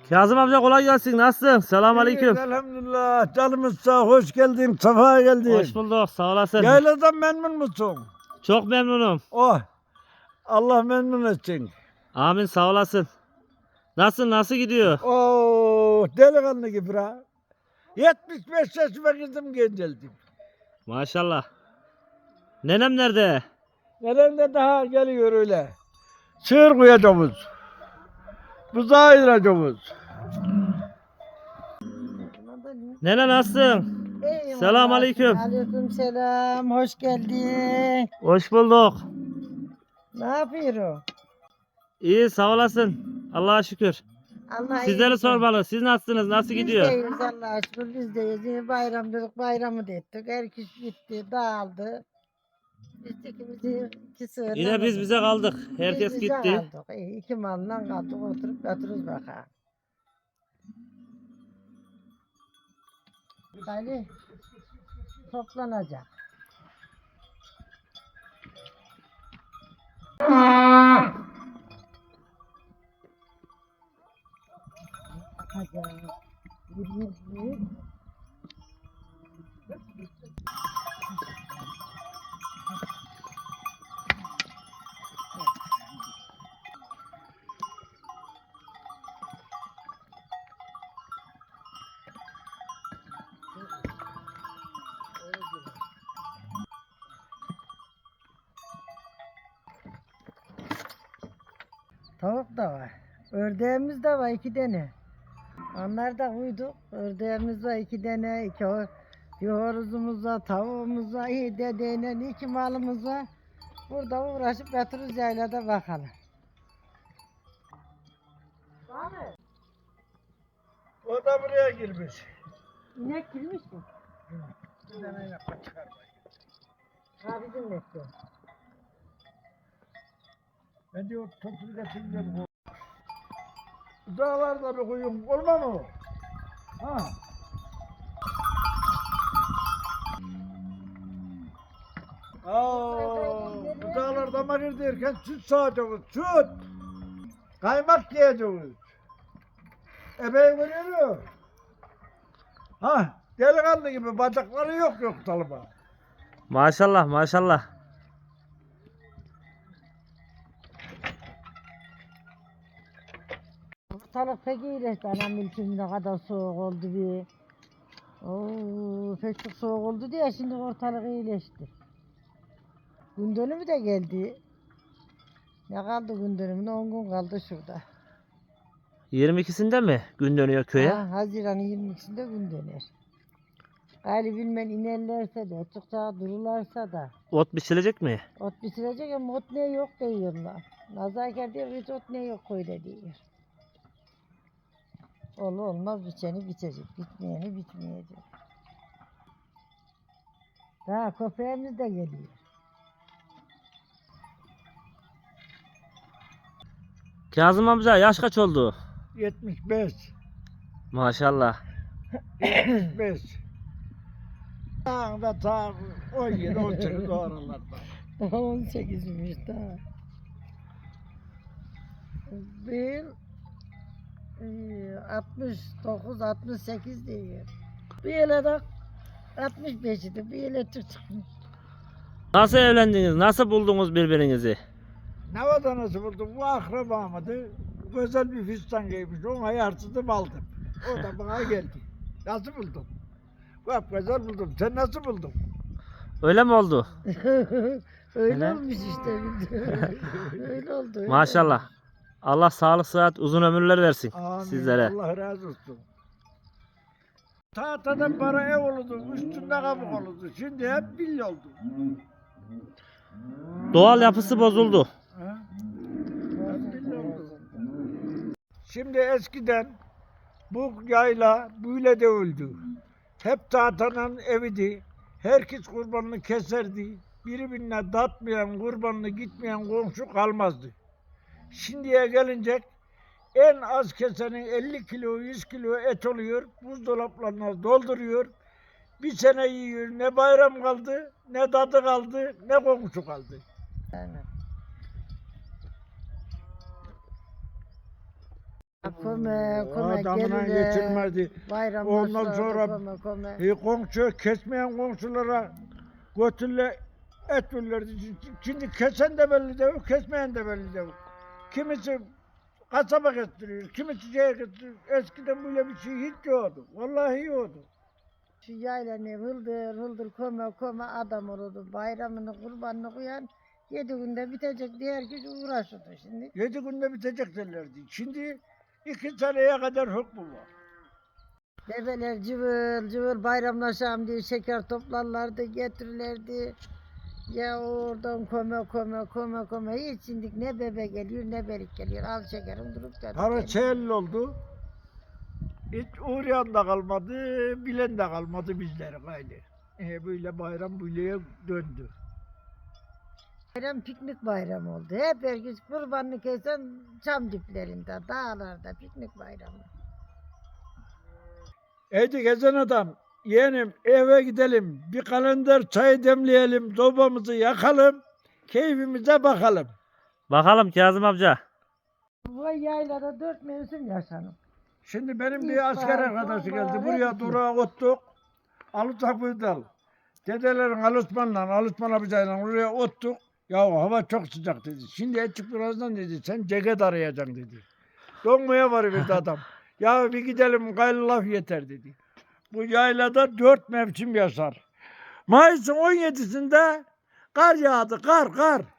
Kazım amca kolay gelsin. Nasılsın? Selamünaleyküm. Elhamdülillah. Canımız sağ, hoş geldin, safa geldin. Hoş bulduk. Sağ olasın. Yayladan memnun musun? Çok memnunum. Oh, Allah memnun etsin. Amin, sağ olasın. Nasıl gidiyor? Oh, delikanlı gibi ha. 75 yaşıma girdim genceldim. Maşallah. Nenem nerede? Neden de daha geliyor öyle. Sığır koyacağız. Buzağı ayıracağız. Nene nasılsın? Eyvallah. Selamünaleyküm. Aleyküm selam. Hoş geldin. Hoş bulduk. Ne yapıyor? İyi, sağ olasın. Allah'a şükür. Allah Sizleri iyilik sormalı. Siz nasılsınız? Nasıl Biz gidiyor? deyiz Allah'a şükür. Biz deyiz. Bayram dedik. Bayramı da ettik. Herkes gitti. Dağıldı. Biz de iki sığırla Yine biz bize kaldık. Herkes biz bize gitti. kaldık. İki malla kaldık. Oturup yatırız bakalım. Ali toplanacak. Bakacağız. Yürüyüz. Tavuk da var. Ördeğimiz de var 2 tane. Onlar da uyduk. Ördeğimiz var 2 tane. Bir horozumuz var, tavuğumuz var, dedeyle 2 malımız var. Burada uğraşıp yatırız yaylada bakalım. O da buraya girmiş. İnek girmiş mi? Bir tane yapma çıkarmayın. Ha bizim bekliyor. Ben diyor toplu getireceğim. Dağlarda bir koyun olma mı? Ha. Bu dağlarda marir derken süt sağacağız, süt. Kaymak yiyeceğiz. Ebeği görüyor musun? Ha, delikanlı gibi bacakları yok talıma. Maşallah, maşallah. Ortalık pek iyileşti anam ilkim ne kadar soğuk oldu bir. Oo, pek çok soğuk oldu diye şimdi ortalık iyileşti. Gün dönümü de geldi. Ne kaldı gün dönümüne 10 gün kaldı şurada. 22'sinde mi gün dönüyor köye? Ha, Haziran'ın 22'sinde gün döner. Gayrı bilmem inerlerse de, açıkça dururlarsa da. Ot biçilecek mi? Ot bitirecek ama ot ne yok diyorlar. Nazarker diyor hiç ot ne yok koyda diyor. Olmaz biçeni bitecek, bitmeyeni bitmeyecek. Daha köpeğimiz de geliyor. Kazım amca yaş kaç oldu? 75. Maşallah. 75. Dağda ta 17, 18 o aralarda. Daha 18'miş daha. Bir 69, 68 diyor. Bir yere de 65 idi, bir yere çıkmış. Nasıl evlendiniz? Nasıl buldunuz birbirinizi? Ne vatanası buldum? Bu akrabamdı. Güzel bir fistan giymiş. Ona yarsıdım aldım. O da bana geldi. Nasıl buldun? Bak güzel buldum. Sen nasıl buldun? Öyle mi oldu? Öyle Öyle. olmuş işte. Öyle oldu. Öyle Maşallah. Allah sağlık, sıhhat, uzun ömürler versin Amin. sizlere. Allah razı olsun. Tahtadan para ev olurdu. Üstünde kabuk olurdu. Şimdi hep villa oldu. Doğal yapısı bozuldu. Ha? Hep villa oldu. Şimdi eskiden bu yayla böyle de öldü. Hep tahtanın eviydi. Herkes kurbanını keserdi. Birbirine datmayan, kurbanını gitmeyen komşu kalmazdı. Şimdiye gelince en az kesenin 50 kilo, 100 kilo et oluyor. Buzdolaplarına dolduruyor. Bir sene yiyor. Ne bayram kaldı, ne tadı kaldı, ne komşu kaldı. Aynen. köme Adamına gelirler. getirmedi. Bayramlaşırlardı, Ondan sonra köme. komşu kesmeyen komşulara götürle et verirlerdi. Şimdi kesen de belli değil, kesmeyen de belli değil. Kimisi kasaba getiriyor, kimisi şeye getiriyor. Eskiden böyle bir şey hiç yoktu. Vallahi yoktu. Şu yaylanı hıldır hıldır köme adam olurdu. Bayramını kurbanını koyan 7 günde bitecek diye herkes uğraşırdı şimdi. 7 günde bitecek derlerdi. Şimdi 2 seneye kadar hükmü var. Bebeler cıvıl cıvıl bayramlaşalım diye şeker toplarlardı, getirirlerdi. Ya oradan köme. Hiç şimdi ne bebe geliyor ne berik geliyor. Al şekerim durup da. Para çeyelli oldu. Hiç uğrayan da kalmadı, bilen de kalmadı bizlere gayrı. Böyle bayram böyleye döndü. Bayram piknik bayramı oldu. Hep herkes kurbanını kesen çam diplerinde, dağlarda piknik bayramı. Hadi gezen adam, yeğenim eve gidelim, bir kalender çay demleyelim, sobamızı yakalım, keyfimize bakalım. Bakalım Kazım amca. Bu yaylada 4 mevsim yaşanır. Şimdi benim İlk bir asker bahar, arkadaşı sonbahar, geldi, buraya hepsi. durağa ottuk, Alıtakbı'ydal. Dedelerin Alışman abicayla oraya ottuk. Ya hava çok sıcak dedi. Şimdi açık birazdan dedi, sen ceket arayacaksın dedi. Donmaya varıverdi adam. Ya bir gidelim gayrı laf yeter dedi. Bu yaylada 4 mevsim yaşar. Mayıs'ın 17'sinde kar yağdı, kar.